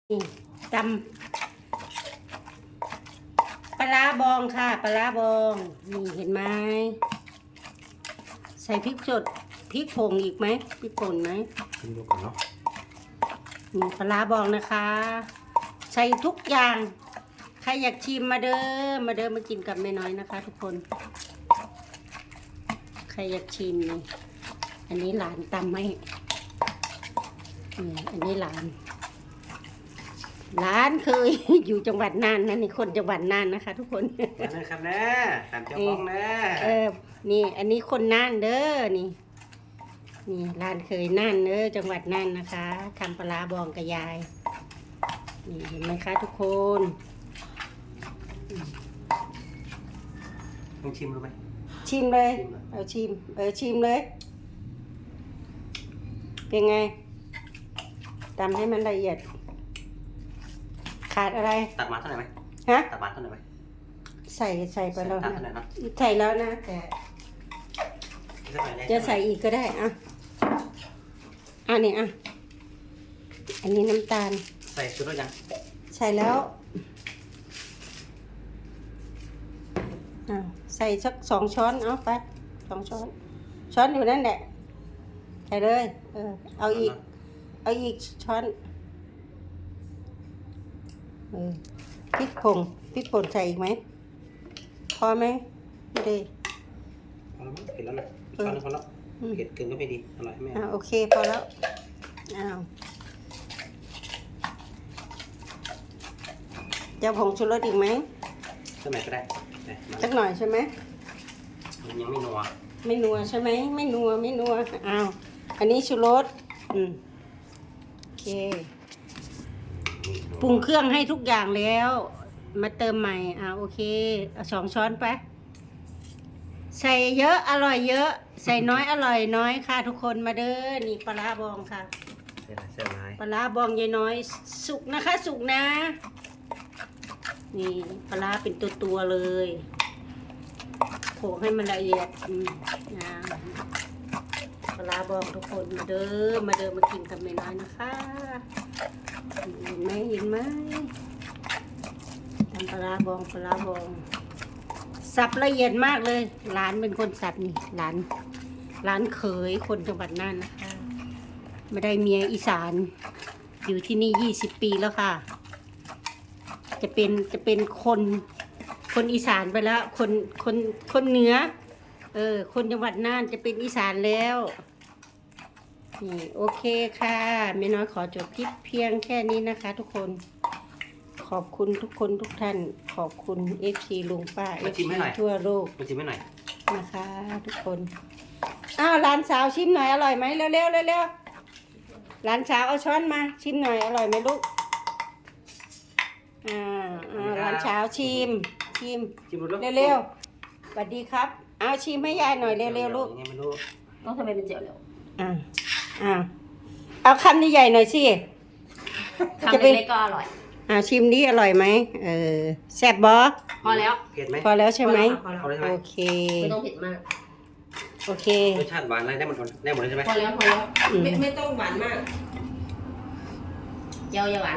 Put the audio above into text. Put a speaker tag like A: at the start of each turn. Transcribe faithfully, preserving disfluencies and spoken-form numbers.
A: นี่ตำปลาร้าบองค่ะปลาร้าบองนี่เห็นไหมใส่พริกสดพริกผงอีกไหมพริกป่นไหม
B: ชิมดูก่อนเนาะ
A: นี่ปลาร้าบองนะคะ ใส่ทุกอย่างใครอยากชิมมาเด้อมาเด้อมากินกับแม่น้อยนะคะ ทุกคนใครอยากชิมนี่อันนี้หลานตำให้นี่อันนี้หลานร้านเคย อยู่จังหวัดน่านนะนี่คนจังหวัดน่านนะคะ ทุกคน
B: มาเลยครับแม่ตามเจ้าของแม่
A: เออนี่อันนี้คนน่านเด้อนี่นี่ร้านเคยน่านเด้อจังหวัดน่านนะคะทำปลาบองกับยายนี่เห็นไหมคะทุกคน
B: ลองชิมดูไหม
A: ชิมเลยเอาชิมเออชิมเลยเป็นไงทำให้มันละเอียดขาดอะไร
B: ตัดมาเท่าไหร่ไหม
A: ฮะ
B: ตัดมาเท่าไหร่ไหม
A: ใส่ใส่ไปแล้วนะ
B: นะ
A: ใส่แล้วนะแต่จะใส่อีกก็ได้อ่ะอ่ะนี่อ่ะอันนี้น้ำตาล
B: ใส่ชุดแล้วยัง
A: ใส่แล้วอ่ะใส่สักสองช้อนเอาไปสองช้อนช้อนอยู่นั่นแหละใส่เลยเออเอาอีกเอาอีกช้อนเออพริกผงพริกป่นใส่อีกไหมพอไหมไม่ได้
B: พอแล้วมั้งเผ็ดแล้วนะช้อนนึงพอแล้วเผ็ดเกินก็ไม่ดีอร่อยไม่
A: อ่าโอเคพอแล้วอ้าวจะผงชูรสอีกไหม
B: สักหน่อยก็ได้
A: สักหน่อยใช่ไหม
B: มันยังไม่นัว
A: ไม่นัวใช่ไหมไม่นัวไม่นัวอ้าวอันนี้ชูรสอืมโอเคปรุงเครื่องให้ทุกอย่างแล้วมาเติมใหม่อ่าโอเคเอาสองช้อนไปใส่เยอะอร่อยเยอะใส่น้อยอร่อยน้อยค่ะทุกคนมาเด้อนี่ปลาร้าบองค่ะ
B: ใส่ไรใส่ไร
A: ปลาร้าบองยายน้อยสุกนะคะสุกนะนี่ปลาร้าเป็นตัวตัวเลยโขลกให้มันละเอียดอืมนะปลาร้าบองทุกคนมาเด้อมาเด้อมากินกับแม่น้อยนะคะเห็นไหมเห็นไหมทำปลาร้าบองปลาร้าบองสับละเอียดมากเลยหลานเป็นคนสับนี่หลานหลานเขยคนจังหวัดน่านนะคะไม่ได้เมียอีสานอยู่ที่นี่ยี่สิบปีแล้วค่ะจะเป็นจะเป็นคนคนอีสานไปแล้วคนคนคนเหนือเออคนจังหวัดน่านจะเป็นอีสานแล้วนี่โอเคค่ะแม่น้อยขอจบคลิปเพียงแค่นี้นะคะทุกคนขอบคุณทุกคนทุกท่านขอบคุณเอฟซีลุงป้าเอฟซีทั่วโลก
B: มาชิมให้หน่อย
A: นะคะทุกคนอ้าวร้านสาวชิมหน่อยอร่อยไหมเร็วเร็วเร็วเร็วร้านสาวเอาช้อนมาชิมหน่อยอร่อยไหมลูกอ่าอ่าร้านสาวชิมชิมเร็วเร็วสวัสดีครับเอาชิมให้ยายหน่อยเร็วเร็วลูก
C: ต้องทำไมเป็นเจียวเร็ว
A: อ่าอ่าเอาคำใหญ่ๆหน่อยสิ
C: คำเล็กๆก็อร่อย
A: อ่าชิมดิอร่อยไหมเออแซ่บบ่
C: พอแล้ว
B: เผ็ดไหม
A: พอแล้วใช่ไหมโอเค
C: ไม่ต้องเผ็ดมาก
A: โอเค
B: รสชาติหวานอะไรได้หมดได้หมดเลยใช่ไหม
C: พอแล้วพอแล้วไม่ไม่ต้องหวานมากเจียวอย่าหวาน